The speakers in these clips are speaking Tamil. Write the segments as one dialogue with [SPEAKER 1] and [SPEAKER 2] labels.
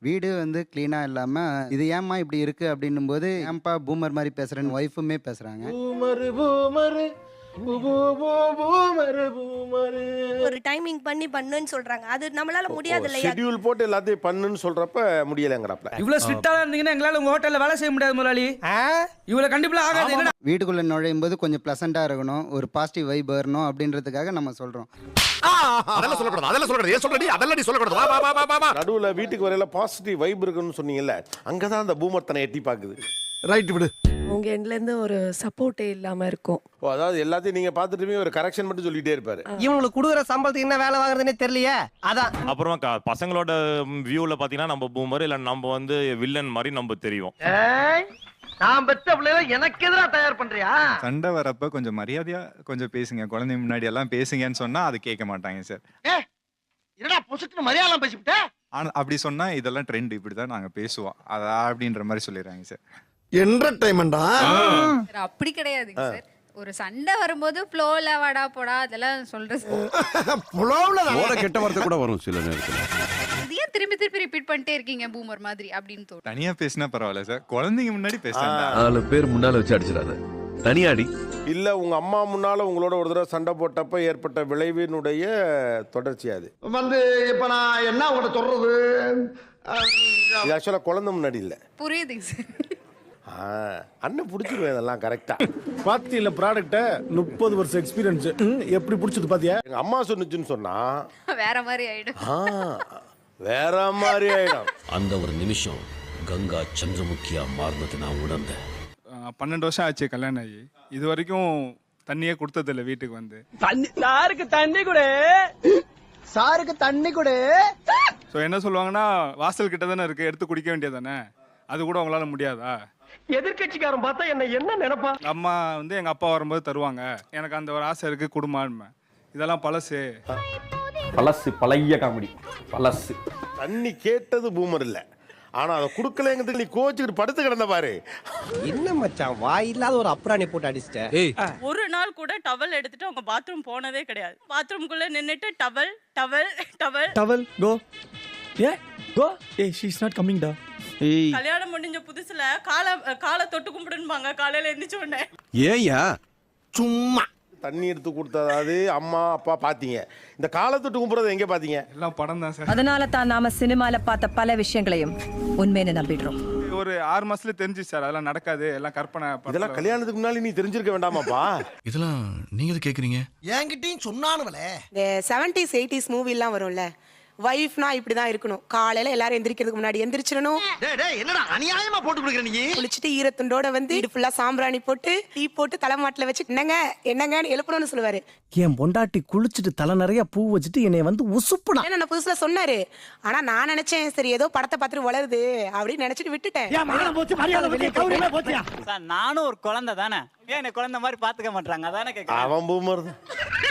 [SPEAKER 1] வீடு வந்து க்ளீனாக இல்லாமல் இது ஏம்மா இப்படி இருக்குது அப்படின்னும் போது ஏன்பா பூமர் மாதிரி பேசுகிறேன்னு ஒய்ஃபுமே பேசுகிறாங்க.
[SPEAKER 2] ஒரு டைமிங் பண்ணி பண்ணுன்னு சொல்றாங்க. அது நம்மளால முடியாது இல்லையா?
[SPEAKER 3] ஷெட்யூல் போட்டு எல்லாத்தையும் பண்ணுன்னு சொல்றப்ப முடியலங்கறப்ப.
[SPEAKER 4] இவ்வளவு ஸ்ட்ரிக்ட்டா இருந்தீங்கன்னா எங்களால உங்க ஹோட்டல்ல வேலை செய்ய முடியாது முதலாளி. இவ்வளவு கண்டிப்பா ஆகாது. என்ன
[SPEAKER 1] வீட்டுக்குள்ளே நுழையும் போது கொஞ்சம் ப்ளசண்ட்டாக இருக்கணும், ஒரு பாசிட்டிவ் வைப் வரணும் அப்படின்றதுக்காக நம்ம சொல்கிறோம்.
[SPEAKER 5] அதெல்லாம் சொல்லக்கூடாது. ஏன் சொல்றடி? அதெல்லாம் நீ சொல்லக்கூடாது. வா வா வா வா வா.
[SPEAKER 3] நடுவுல வீட்டுக்கு வரையில பாசிட்டிவ் வைப் இருக்குன்னு சொன்னீங்கல்ல, அங்கதான் அந்த பூமர் தன்னை எட்டி பாக்குது.
[SPEAKER 5] ரைட் விடு.
[SPEAKER 6] உங்க எண்ட்ல இருந்து ஒரு சப்போர்ட்டே இல்லாம இருக்கும்.
[SPEAKER 3] அதாவது எல்லாத்தையும் நீங்க பாத்துட்டுமே ஒரு கரெக்ஷன் மட்டும் சொல்லிட்டே இருப்பாரு.
[SPEAKER 7] இவங்களுக்கு கொடுக்குற சம்பளத்துக்கு என்ன வேலை வாங்குறதுன்னே தெரியலையே. அதான்
[SPEAKER 8] அப்புறமா பசங்களோட வியூல பாத்தீங்கன்னா நம்ம பூமர் இல்ல நம்ம வந்து வில்லன் மாதிரி நம்ம தெரியும்.
[SPEAKER 7] நான் பெத்த பிள்ளைல எனக்கு எதிரா தயார் பண்றியா?
[SPEAKER 9] சண்டை வரப்ப கொஞ்சம் மரியாதையா கொஞ்சம் பேசுங்க, குழந்தைங்க முன்னாடி எல்லாம் பேசுங்கன்னு சொன்னா அது கேட்க மாட்டாங்க சார்.
[SPEAKER 7] என்னடா பொசுக்கு மரியாதை பேசிவிட்ட?
[SPEAKER 9] ஆனா அப்படி சொன்னா இதெல்லாம் ட்ரெண்ட், இப்படிதான் நாங்க பேசுவோம் அதா அப்படின்ற மாதிரி சொல்லிடுறாங்க சார்.
[SPEAKER 5] என்டர்டைன்மெண்டா
[SPEAKER 10] அப்படி கிடையாதுங்க சார். ஒரு சண்டை வரும்போது ஃப்ளோல வாடா போடா அதெல்லாம் சொல்றது.
[SPEAKER 5] புலவுல கெட்ட வார்த்தை கூட வரும் சில நேரத்துல.
[SPEAKER 10] இது ஏன் திருப்பி திருப்பி ரிப்பீட் பண்ணிட்டே இருக்கீங்க பூமர் மாதிரி அப்படின்னு தோணும்.
[SPEAKER 9] தனியா பேசினா பரவாயில்ல சார், குழந்தைங்க முன்னாடி பேசுறாங்க.
[SPEAKER 5] 4 பேர் முன்னால வச்சு அடிச்சிடாத, தனியாடி.
[SPEAKER 3] இல்ல உங்க அம்மா முன்னால உங்களோட ஒரு தடவை சண்டை போட்டப்ப ஏற்பட்ட விளைவினுடைய தொடர்ச்சி அது.
[SPEAKER 7] வந்து இப்ப நான் என்ன உங்கள்ட்ட சொல்றது?
[SPEAKER 3] இது ஆக்சுவலா குழந்தை முன்னாடி இல்ல.
[SPEAKER 10] புரியுதுங்க சார்.
[SPEAKER 3] அண்ணன் புடிச்சிருவேன் இதெல்லாம் கரெக்டா.
[SPEAKER 11] பாத்தியில ப்ராடக்ட்ட 30 வருஷம் எக்ஸ்பீரியன்ஸ் எப்படி புடிச்சது பாத்தியா?
[SPEAKER 3] எங்க அம்மா சொன்னுச்சுன்னு சொன்னா
[SPEAKER 10] வேற மாதிரி ஆயிடும்.
[SPEAKER 3] வேற மாதிரி ஆயிடும்.
[SPEAKER 12] அந்த ஒரு நிமிஷம் கங்கா சந்திரமுகியா மாறினது நான் உணர்ந்தேன்.
[SPEAKER 9] 12 வருஷம் ஆச்சு கல்யாணம் ஆகி, இது வரைக்கும் தண்ணியே கொடுத்ததில்ல வீட்டுக்கு வந்து.
[SPEAKER 7] சாருக்கு தண்ணி கொடு, சாருக்கு தண்ணி கொடு.
[SPEAKER 9] ஸோ என்ன சொல்லுவாங்கன்னா, வாசல் கிட்ட தானே இருக்கு, எடுத்து குடிக்க வேண்டியதானே, அது கூட உங்களால முடியாதா?
[SPEAKER 7] எதிர்கட்சிக்காரன் பார்த்தா என்ன நினைப்பா?
[SPEAKER 9] அம்மா வந்து எங்க அப்பா வரும்போது தருவாங்க, எனக்கு அந்த ஒரு ஆசை இருக்கு குடும்பம். இதெல்லாம் பழசு
[SPEAKER 11] பழைய காமெடி பழசு.
[SPEAKER 3] தண்ணி கேட்டது பூமர் இல்ல, ஆனா அதை குடுக்கலங்கிறது நீ கோச்சுக்கிட்டு படுத்து கிடந்த பாரு.
[SPEAKER 7] என்ன மச்சான் வாய் இல்லாத ஒரு அப்புறாணி போட்டு அடிச்சிட்ட.
[SPEAKER 2] ஒரு நாள் கூட டவல் எடுத்துட்டு அவங்க பாத்ரூம் போனதே கிடையாது. பாத்ரூம்குள்ள நின்னுட்டு towel towel towel
[SPEAKER 11] towel go go she is not coming டா.
[SPEAKER 2] கல்யாணம் முடிஞ்ச புதுசுல காலை தொட்டு கும்பிடுன்பாங்க காலையில எந்திரிச்ச உடனே.
[SPEAKER 5] ஏயா சும்மா
[SPEAKER 3] தண்ணி எடுத்து கொடுத்ததாவது அம்மா அப்பா பாத்தீங்க, இந்த காலத்தொட்டு கும்பிடுறத எங்க பாத்தீங்க?
[SPEAKER 9] எல்லாம் படம் தான் சார்.
[SPEAKER 6] அதனால தான் நாம சினிமால பார்த்த பல விஷயங்களையும் உண்மைன்னு நம்பிடுறோம்.
[SPEAKER 9] ஒரு 6 மாசத்துல தெரிஞ்சு சார், அதெல்லாம் நடக்காது, எல்லாம் கற்பனை.
[SPEAKER 3] இதெல்லாம் கல்யாணத்துக்கு முன்னாடி நீ தெரிஞ்சிருக்க வேண்டாமாப்பா?
[SPEAKER 5] இதெல்லாம் நீங்க எது கேக்குறீங்க?
[SPEAKER 7] என்கிட்டயும் சொன்னானுங்களே.
[SPEAKER 6] இந்த 70s 80s மூவி எல்லாம் வரும்ல, வைஃப்னா இப்படிதான் இருக்கணும். காலையில எல்லாரும் எந்திரிக்கிறதுக்கு முன்னாடி எந்திரிச்சிடணும்.
[SPEAKER 7] என்னடா அநியாயமா போட்டு கொடுக்குற நீ?
[SPEAKER 6] குளிச்சுட்டு ஈரத்துண்டோட வந்து வீடு ஃபுல்லா சாம்பிராணி போட்டு டீ போட்டு தலைமாட்டில வச்சு என்னங்கன்னு எழுப்பணும்னு சொல்லுவாரு.
[SPEAKER 11] என் பொண்டாட்டி குளிச்சுட்டு தலை நிறைய பூ வச்சுட்டு என்னை வந்து உசுப்புனா
[SPEAKER 6] நான் புதுசுல சொன்னாரு. ஆனா நான் நினைச்சேன் சரி ஏதோ படத்தை பார்த்துட்டு வளருது அப்படின்னு நினைச்சிட்டு விட்டுட்டேன்.
[SPEAKER 7] நானும் ஒரு குழந்தை தானே, ஏன் என்ன குழந்தை மாதிரி பாத்துக்க மாட்டாங்க? அதானே கேக்குறேன்.
[SPEAKER 3] அவன் பூமர் தான்.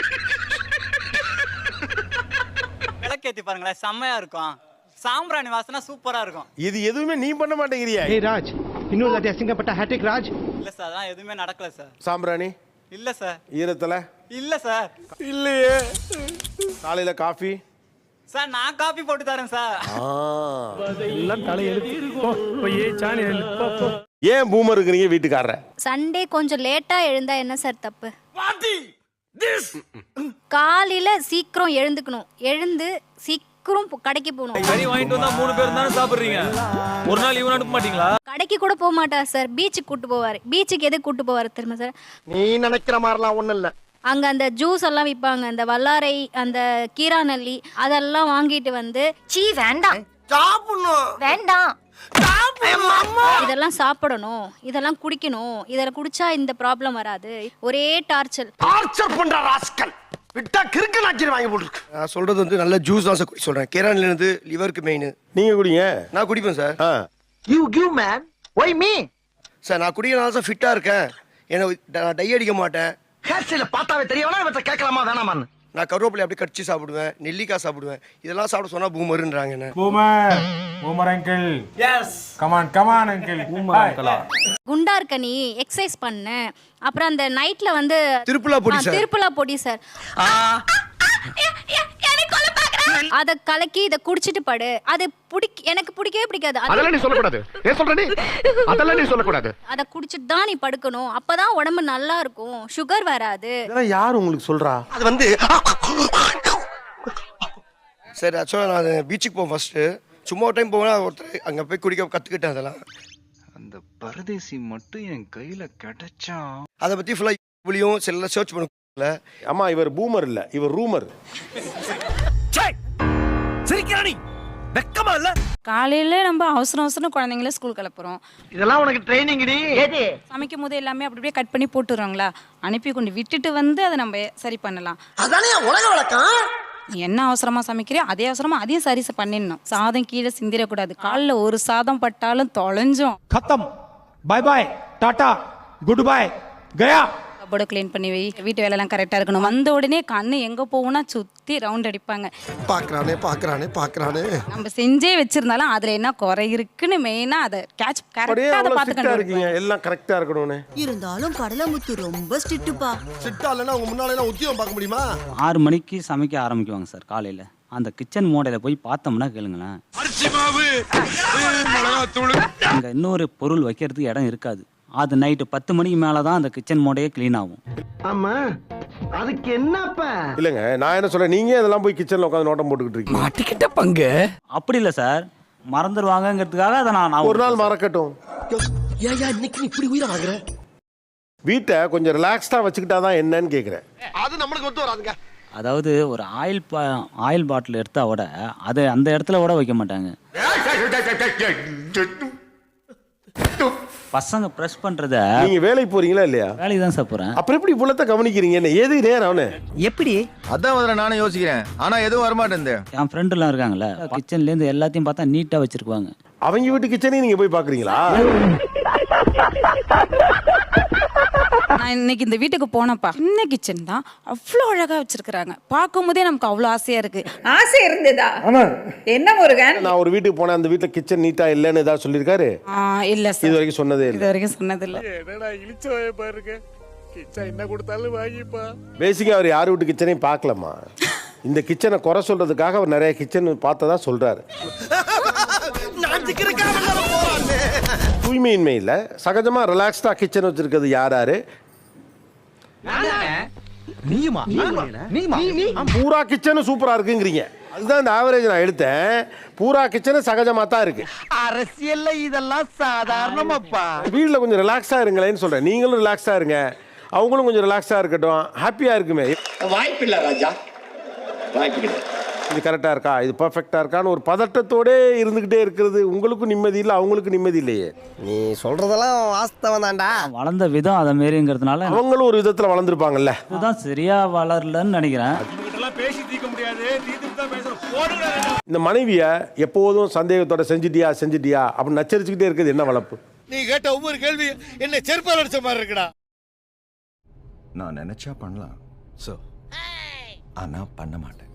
[SPEAKER 7] விளக்கேத்தி பாருங்களேன், செம்மையா இருக்கும். சாம்பிராணி வாசனை சூப்பரா இருக்கும்.
[SPEAKER 3] இது எதுவுமே நீ பண்ண மாட்டேங்கிறியா?
[SPEAKER 7] ஏய் ராஜ், இன்னொரு வாட்டி அசிங்கப்பட்ட ஹேட்ரிக் ராஜ். இல்ல சார், அதான் எதுவுமே நடக்கல சார்.
[SPEAKER 3] சாம்பிராணி
[SPEAKER 7] இல்ல சார்.
[SPEAKER 3] ஈரத்தல
[SPEAKER 7] இல்ல சார்.
[SPEAKER 3] இல்லையே. காலையில காஃபி
[SPEAKER 7] சார் நான் காபி போட்டு தரேன் சார்.
[SPEAKER 11] எல்லாம் தலையெழுத்து போய் சாணி
[SPEAKER 3] ஏன் பூமர் இருக்கிறீங்க வீட்டுக்காரர?
[SPEAKER 10] சண்டே கொஞ்சம் லேட்டா எழுந்தா என்ன சார் தப்பு? காலையில சீக்கிரம் எழுந்துக்கணும், எழுந்து சீக்கிரம் கடைக்கு போகணும்.
[SPEAKER 4] கறி வாங்கிட்டு வந்தா 3 பேர் தானே சாப்பிடுறீங்க, ஒரு நாள் இவன் அனுப்ப மாட்டீங்களா?
[SPEAKER 10] கடைக்கு கூட போக மாட்டார் சார், பீச்சுக்கு கூட்டு போவாரு. பீச்சுக்கு எதுக்கு கூட்டு போவாரு தெரியுமா சார்?
[SPEAKER 7] நீ நினைக்கிற மாதிரிலாம் ஒண்ணும் இல்ல.
[SPEAKER 10] அங்க அந்த ஜூஸ் எல்லாம் விற்பாங்க, அந்த வல்லாரை, அந்த கீராநெல்லி, அதெல்லாம் வாங்கிட்டு வந்து சீ வேண்டாம் வேண்டாம் இதெல்லாம் சாப்பிடணும், இதெல்லாம் குடிக்கணும், இதெல்லாம் குடிச்சா இந்த ப்ராப்ளம் வராது. ஒரே டார்ச்சர்
[SPEAKER 7] பண்ற ராஸ்கல் விட்டா கிறுக்கு நாச்சி வாங்கி போட்டுருக்கு.
[SPEAKER 11] நான் சொல்றது வந்து நல்ல ஜூஸ் தான் சார் சொல்றேன். கேரளால இருந்து லிவருக்கு மெயின்.
[SPEAKER 3] நீங்க குடிங்க.
[SPEAKER 11] நான் குடிப்பேன் sir.
[SPEAKER 7] You give man why me
[SPEAKER 11] sir. நான் குடிக்கிறனால சார் ஃபிட்டா இருக்கேன். நான் டை அடிக்க மாட்டேன்.
[SPEAKER 7] ஹேர் ஸ்டைல பார்த்தாவே தெரியவனா இவற்றை கேட்கலாமா வேணாமான்னு.
[SPEAKER 11] நான் கருவேப்பிலை அப்படியே கடிச்சு சாப்பிடுவேன், நெல்லிக்காய் சாப்பிடுவேன். இதெல்லாம் சாப்பிட சொன்னா பூமருன்றாங்க என்ன.
[SPEAKER 9] Boomer uncle. Yes come on uncle. Boomer அங்கிளா?
[SPEAKER 10] குண்டா இருக்க நீ எக்ஸசைஸ் பண்ணு. அப்புறம் அந்த நைட்ல வந்து
[SPEAKER 11] திருப்புலா பொடி சார்.
[SPEAKER 10] திருப்புலா பொடி சார். அதை கலக்கி இதை குடிச்சிட்டு படு. அது எனக்கு பிடிக்கவே பிடிக்காது.
[SPEAKER 5] அதெல்லாம் நீ சொல்லக்கூடாது. ஏன் சொல்ற நீ? அதெல்லாம் நீ சொல்லக்கூடாது.
[SPEAKER 10] அதை குடிச்சிட்டு தான் நீ படுக்கணும். அப்பதான் உடம்பு நல்லா இருக்கும், சுகர் வராது.
[SPEAKER 3] இதெல்லாம் யார் உங்களுக்கு சொல்றா?
[SPEAKER 11] அது வந்து சரி ஆக்சுவலாக நான் பீச்சுக்கு போவேன் ஃபர்ஸ்ட்டு. சும்மா ஒரு டைம் போவேன், ஒருத்தர் அங்கே போய் குடிக்க கற்றுக்கிட்டேன். அதெல்லாம்
[SPEAKER 9] அந்த பரதேசி மட்டும் என் கையில கிடைச்சா
[SPEAKER 11] அதை பற்றி ஃபுல்லாக இப்படியும் செல்ல சர்ச் பண்ணல.
[SPEAKER 3] அம்மா இவர் பூமர் இல்ல, இவர் ரூமர்.
[SPEAKER 5] சிரிக்கிறானி வெக்கமா இல்ல?
[SPEAKER 2] காலையில நம்ம அவசரம் குழந்தைங்கள ஸ்கூல் கிளப்புறோம்.
[SPEAKER 11] இதெல்லாம் உனக்கு ட்ரைனிங் டி.
[SPEAKER 2] சமைக்கும் போது எல்லாமே அப்படியே கட் பண்ணி போட்டுறாங்களா, அனுப்பி கொண்டு விட்டுட்டு வந்து அதை நம்ம சரி பண்ணலாம்.
[SPEAKER 11] அதானே உலக வழக்கம்.
[SPEAKER 2] நீ என்ன அவசரமா சமைக்கிறியோ அதே அவசரமா அதையும் சரி பண்ணிடணும். சாதம் கீழே சிந்திரக்கூடாது. காலில் ஒரு சாதம் பட்டாலும் தொலைஞ்சோம்.
[SPEAKER 4] खत्म, bye bye, tata, goodbye, गया.
[SPEAKER 2] கபோர்டை க்ளீன் பண்ணி வை. வீட்டு வேலைலாம் கரெக்டாக இருக்கணும். வந்த உடனே கண்ணு எங்கே போகும்னா சுற்றி ரவுண்ட் அடிப்பாங்க.
[SPEAKER 11] பார்க்கறானே
[SPEAKER 2] நம்ம செஞ்சே வச்சிருந்தாலும் அதில் என்ன குறை இருக்குன்னு மெயினாக அதை கேட்ச் கரெக்டாக அதை பார்த்து
[SPEAKER 3] இருக்கீங்க,
[SPEAKER 2] கண்டுபிடிப்பேன்.
[SPEAKER 3] எல்லாம் கரெக்டா இருக்கணும்னு.
[SPEAKER 6] இருந்தாலும் கடலமுத்து ரொம்ப ஸ்ட்ரிக்ட்டுப்பா.
[SPEAKER 11] சிட்டா இல்லைன்னா உங்க முன்னால உத்தியோகம் பார்க்க முடியுமா?
[SPEAKER 7] 6 மணிக்கு சமைக்க ஆரம்பிக்குவாங்க சார் காலையில். அந்த கிச்சன் மோடையில் போய் பார்த்தோம்னா கேளுங்களேன், அங்கே இன்னொரு பொருள் வைக்கிறதுக்கு இடம் இருக்காது. அது நைட்டு 10 மணிக்கு மேலே தான் அந்த கிச்சன் மோடையே க்ளீன் ஆகும்.
[SPEAKER 11] ஆமா, அதுக்கு என்னப்பா?
[SPEAKER 3] இல்லைங்க, நான் என்ன சொல்றேன், நீங்க இதெல்லாம் போய் கிச்சன்ல உட்காந்து நோட்டம் போட்டுக்கிட்டு இருக்கீங்க.
[SPEAKER 4] மாட்டிக்கிட்ட பங்கு.
[SPEAKER 7] அப்படி இல்லை சார், மறந்துடுவாங்கங்கிறதுக்காக அதை நான்
[SPEAKER 3] ஒரு நாள் மறக்கட்டும்.
[SPEAKER 11] ஏயா இன்னைக்கு இப்படி உயிரை வாங்குற?
[SPEAKER 3] வீட்டை கொஞ்சம் ரிலாக்ஸ்டா வச்சுக்கிட்டாதான் என்னன்னு கேக்குறேன்.
[SPEAKER 11] அது நம்மளுக்கு ஒத்து வராதுங்க.
[SPEAKER 7] அதாவது ஒரு ஆயில் பாட்டில் எடுத்தா விட அதை அந்த இடத்துல கூட வைக்க மாட்டாங்க. பசங்க ப்ரெஸ் பண்றத
[SPEAKER 3] நீங்க வேலைக்கு போறீங்களா இல்லையா?
[SPEAKER 7] வேலைக்கு தான் சார் போறேன்.
[SPEAKER 3] அப்புறம் எப்படி இவ்வளத்த கவனிக்கிறீங்க? என்ன ஏது நேரம் அவனு?
[SPEAKER 4] எப்படி?
[SPEAKER 5] அதான் முதல்ல நானும் யோசிக்கிறேன். ஆனா எதுவும் வரமாட்டேன்.
[SPEAKER 7] என் ஃப்ரெண்ட் எல்லாம் இருக்காங்கல்ல, கிச்சன்ல இருந்து எல்லாத்தையும் பார்த்தா நீட்டா வச்சிருக்குவாங்க.
[SPEAKER 3] அவங்க வீட்டு கிச்சனையும் நீங்க போய் பாக்குறீங்களா?
[SPEAKER 2] நான் இன்னைக்கு இந்த வீட்டுக்கு போனப்பா, சின்ன கிச்சன் தான், அவ்வளோ அழகா வச்சிருக்கிறாங்க. பார்க்கும் போதே நமக்கு அவ்வளோ ஆசையா இருக்கு.
[SPEAKER 6] ஆசை இருந்ததா? என்ன முருகன்?
[SPEAKER 3] நான் ஒரு வீட்டுக்கு போனேன், அந்த வீட்டுல கிச்சன் நீட்டா இல்லன்னு ஏதாவது சொல்லிருக்காரு?
[SPEAKER 2] இல்ல
[SPEAKER 3] இது
[SPEAKER 2] சார்,
[SPEAKER 3] வரைக்கும் சொன்னதே
[SPEAKER 2] இது
[SPEAKER 3] இல்லை.
[SPEAKER 2] வரைக்கும் சொன்னது இல்ல.
[SPEAKER 3] பேசிக்கா அவர் யார் வீட்டு கிச்சனையும் பார்க்கலாமா? இந்த கிச்சனை குறை சொல்றதுக்காக அவர் நிறைய கிச்சன் பார்த்ததா சொல்றாரு. தூய்மையின்மை இல்ல, சகஜமா ரிலாக்ஸ்டா கிச்சன் வச்சிருக்கிறது யாரு? பூரா கிச்சனும் சூப்பரா இருக்குங்கிறீங்க. அதுதான் இந்த ஆவரேஜ் நான் எடுத்தேன். பூரா கிச்சனும் சகஜமா தான் இருக்கு.
[SPEAKER 11] அரசியல்ல இதெல்லாம் சாதாரணமாப்பா.
[SPEAKER 3] வீட்டுல கொஞ்சம் ரிலாக்ஸா இருங்களேன்னு சொல்றேன். நீங்களும் ரிலாக்ஸா இருங்க, அவங்களும் கொஞ்சம் ரிலாக்ஸா இருக்கட்டும், ஹாப்பியா இருக்குமே.
[SPEAKER 11] வாய்ப்பு இல்ல ராஜா, வாய்ப்பு கிடையாது.
[SPEAKER 3] இது கரெக்டா இருக்கா, இது பர்ஃபெக்டா இருக்கான்னு ஒரு பதட்டத்தோட இருந்துகிட்டே இருக்கிறது உங்களுக்கும் நிம்மதி இல்லை, அவங்களுக்கு நிம்மதி இல்லையே.
[SPEAKER 11] நீ சொல்றதெல்லாம் வாஸ்தவம் தான்டா.
[SPEAKER 7] வளர்ந்த விதம் அதை மாரிங்கிறதுனால
[SPEAKER 3] அவங்களும் ஒரு விதத்துல வளர்ந்துருப்பாங்கல்ல.
[SPEAKER 7] இதுதான் சரியா வளரலன்னு நினைக்கிறேன்.
[SPEAKER 3] இந்த மனைவிய எப்போதும் சந்தேகத்தோட செஞ்சுட்டியா அப்படின்னு நச்சரிச்சுக்கிட்டே இருக்கிறது என்ன வளர்ப்பு?
[SPEAKER 11] நீ கேட்ட ஒவ்வொரு கேள்வி என்ன செருப்பால் அடிச்ச மாதிரி இருக்குடா.
[SPEAKER 5] நான் நினைச்சா பண்ணலாம், ஆனா பண்ண மாட்டேன்.